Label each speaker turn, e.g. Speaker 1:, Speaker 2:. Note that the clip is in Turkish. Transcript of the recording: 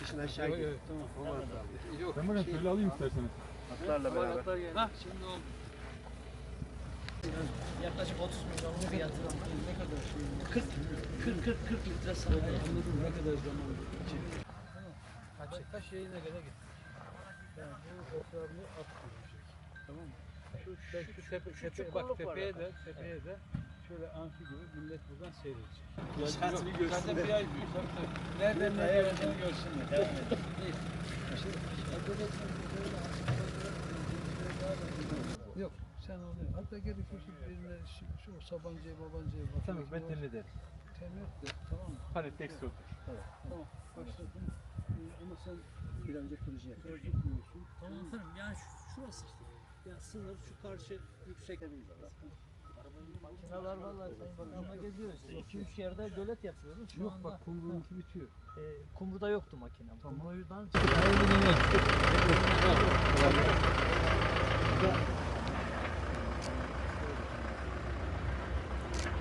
Speaker 1: Kışın aşağı gidiyor.
Speaker 2: Tamam.
Speaker 1: Olmaz abi.
Speaker 2: Yok.
Speaker 3: Ben bunu şöyle alayım isterseniz.
Speaker 1: Atlarla beraber.
Speaker 2: Ha şimdi oldu.
Speaker 4: Yaklaşık 30 milyon fiyatı ne kadar şey? 40 litre sahip.
Speaker 2: Anladım ne kadar zaman geçecek. Kaç yayına kadar git. Yani bu etrafını at koyacak. Tamam mı? Şu tepe bak tepeye de şöyle amfi gibi millet buradan seyredecek.
Speaker 1: Şansını görsünler.
Speaker 2: Zaten bir ay nereden ne geleceğini görsünler. Devam et. Yok sen onu hatta gerekirse birine şu Sabancı'ya babancıya bak.
Speaker 3: Tamam ben temin ederim.
Speaker 2: Temin et de tamam mı?
Speaker 3: Hani tek sotur.
Speaker 2: Tamam başladım. Ama sen
Speaker 1: Bir önce proje yapıyor.
Speaker 2: proje kuruyorsun.
Speaker 4: Tamam efendim yani şurası işte. Ya sınır şu karşı yüksek. Makineler vallahi Sayın Bakan'la geziyoruz. 2-3 yerde gölet yapıyoruz. Şu
Speaker 2: Yok
Speaker 4: anda,
Speaker 2: bak kumru'nunki bitiyor.
Speaker 4: Kumru'da yoktu makine.
Speaker 2: Tamam.
Speaker 4: Kumru'dan